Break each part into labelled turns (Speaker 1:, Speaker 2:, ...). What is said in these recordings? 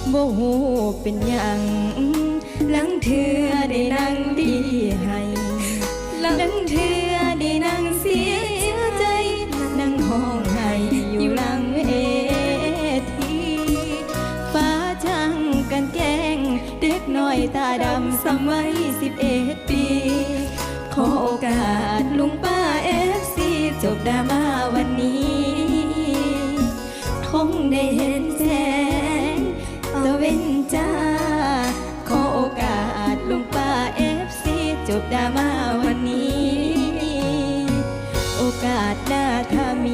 Speaker 1: บ่ฮู้เป็นหยังหลังเทื่อได้นั่งดีให้หลังเทื่อได้นั่งเสียใจนั่งห้องไห้อยู่หลังเวทีฟ้าช่างกันแกล้งเด็กน้อยตาดำสมัย11 ปีขอโอกาสลุงป้าFCจบดราม่าวันนี้คงได้เห็นแสงตะเวนจ้าขอโอกาสลุงป้าFCจบดราม่าวันนี้โอกาสหน้าถ้ามี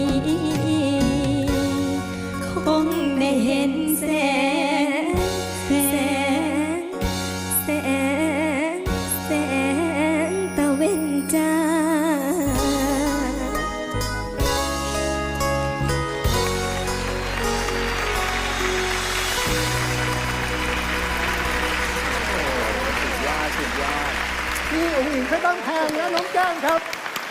Speaker 1: คงได้เห็นแสงตะเวนจ้า
Speaker 2: พี่อุ๋งอิงไม่ต้องแพงนะน้องแก้มครับ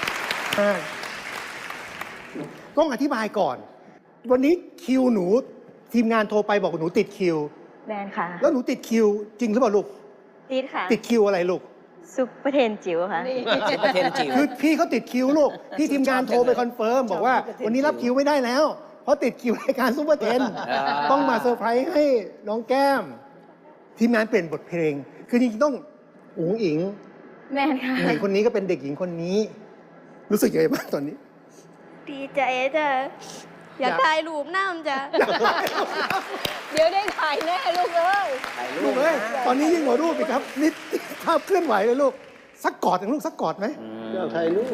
Speaker 2: ต้องอธิบายก่อนวันนี้คิวหนูทีมงานโทรไปบอกหนูติดคิว
Speaker 3: แมนค่ะ
Speaker 2: แล้วหนูติดคิวจริงหรือเปล่าลูก
Speaker 3: ติดค่ะ
Speaker 2: ติดคิวอะไรลูก
Speaker 3: ซุปเปอร์เทนจิ๋วค่ะ
Speaker 4: ซุปเปอร์เทนจิ๋ว
Speaker 2: คือพี่เขาติดคิวลูกพี่ทีมงานโทรไปคอนเฟิร์มบอกว่าวันนี้รับคิวไม่ได้แล้วเพราะติดคิวรายการซุปเปอร์เทนต้องมาเซอร์ไพรส์ให้น้องแก้มทีมงานเปลี่ยนบทเพลงคือจริงๆต้องอุ๋งอิง
Speaker 3: แมนค่ะ
Speaker 2: เด็กคนนี้ก็เป็นเด็กหญิงคนนี้รู้สึกยังไงบ้างตอนนี้
Speaker 3: ดีใจจ้ะอยากถ่ายรูปน้ำจ้ะเดี๋ยวได้ถ่ายแน่ลูกเอ้ย
Speaker 2: ลูกเอ้ยตอนนี้ยิ่งกว่ารูปอีกครับนี่ภาพเคลื่อนไหวเลยลูกสักกอดอย่างลูกสักกอดไหมอยากถ่ายรูป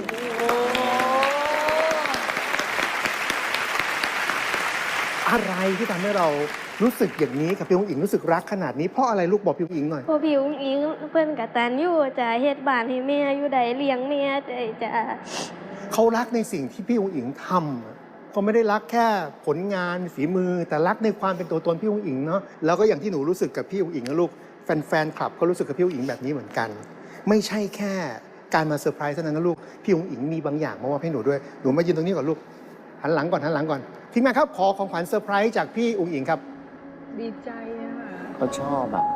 Speaker 2: อะไรที่ทำให้เรารู้สึกอย่างนี้กับพี่อุ๋งอิงรู้สึกรักขนาดนี้เพราะอะไรลูกบอกพี่อุ๋งอิงหน่อย
Speaker 3: พอพี่อุ๋งอิงเพิ่นกตัญญูจ้ะเฮ็ดบ้านให้แม่อยู่ใดเลี้ยงแม่จ้ะ
Speaker 2: เขารักในสิ่งที่พี่อุ๋งอิงทำเขาไม่ได้รักแค่ผลงานฝีมือแต่รักในความเป็นตัวตนพี่อุ๋งอิงเนาะแล้วก็อย่างที่หนูรู้สึกกับพี่อุ๋งอิงนะลูกแฟนคลับก็รู้สึกกับพี่อุ๋งอิงแบบนี้เหมือนกันไม่ใช่แค่การมาเซอร์ไพรส์เท่านั้นนะลูกพี่อุ๋งอิงมีบางอย่างมามอบให้หนูด้วยหนูมายืนตรงนี้ก่อนลูกหันหลังก่อนทีมงานครับขอของขวัญเซอร์ไพรส์จากพี่อุ๋งอิงครับ
Speaker 5: ดีใจอะ
Speaker 4: เขาชอบอ่ะ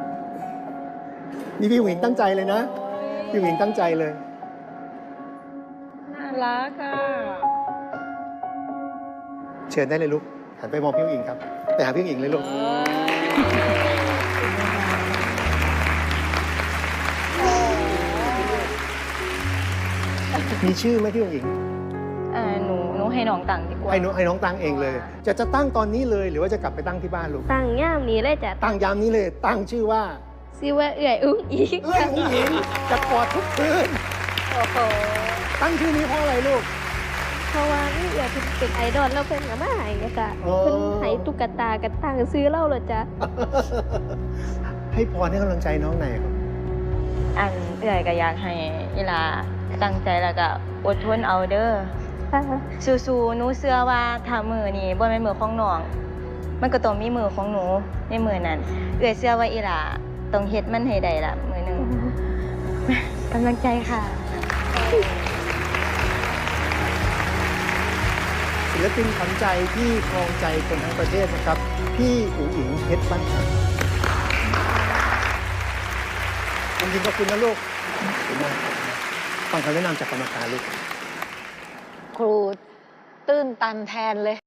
Speaker 2: นี่พี่อุ๋งอิงตั้งใจเลยนะพี่อุ๋งอิงตั้งใจเลย
Speaker 5: น่ารักอะ
Speaker 2: เชิญได้เลยลูกหันไปมองพี่อุ๋งอิงครับไปหาพี่อุ๋งอิงเลยลูกมีชื่อไหมพี่อุ๋งอิง
Speaker 3: หนูให้น้องตั้งดีกว่า
Speaker 2: ให้น้องตั้งเองเลยจะตั้งตอนนี้เลยหรือว่าจะกลับไปตั้งที่บ้านลูก
Speaker 3: ตั้งย่ามนี้เลยจ้ะ
Speaker 2: ตั้งยามนี้เลยตั้งชื่อว่า
Speaker 3: เอื่อยอุ๋งอิง
Speaker 2: อุ๋งอิงจะกอดทุกคืน
Speaker 3: โอ้โห
Speaker 2: ตั้งชื่อนี้เพราะอะไรลูก
Speaker 3: เพราะว่านี่อยากเป็นไอดอลแล้วเพิ่นก็มาให้จ้ะเพิ่นให้ตุ๊กตากันตั้งซื้อเล่าเลยจ้ะ
Speaker 2: ให้พรให้กำลังใจน้องไหนครับ
Speaker 3: เอื่อยก็อยากให้อีหลาตั้งใจแล้วก็อดทนเอาเด้อสู้ๆหนูเชื่อว่าถ้ามือนี่บ่แม่นมือของน้องมันก็ต้องมีมือของหนูในมือนั้นเอื้อยเชื่อว่าอีหล่าต้องเฮ็ดมันให้ได้ล่ะมือนึงกำลังใจค่ะ
Speaker 2: ศิลปินขวัญใจที่ครองใจคนทั้งประเทศนะครับพี่อุ๋งอิงเพชรบ้านแพงจริงๆขอบคุณนะลูกขอบคุณมากฟังคำแนะนำจากกรรมการลูก
Speaker 5: ครูตื้นตันแทนเลย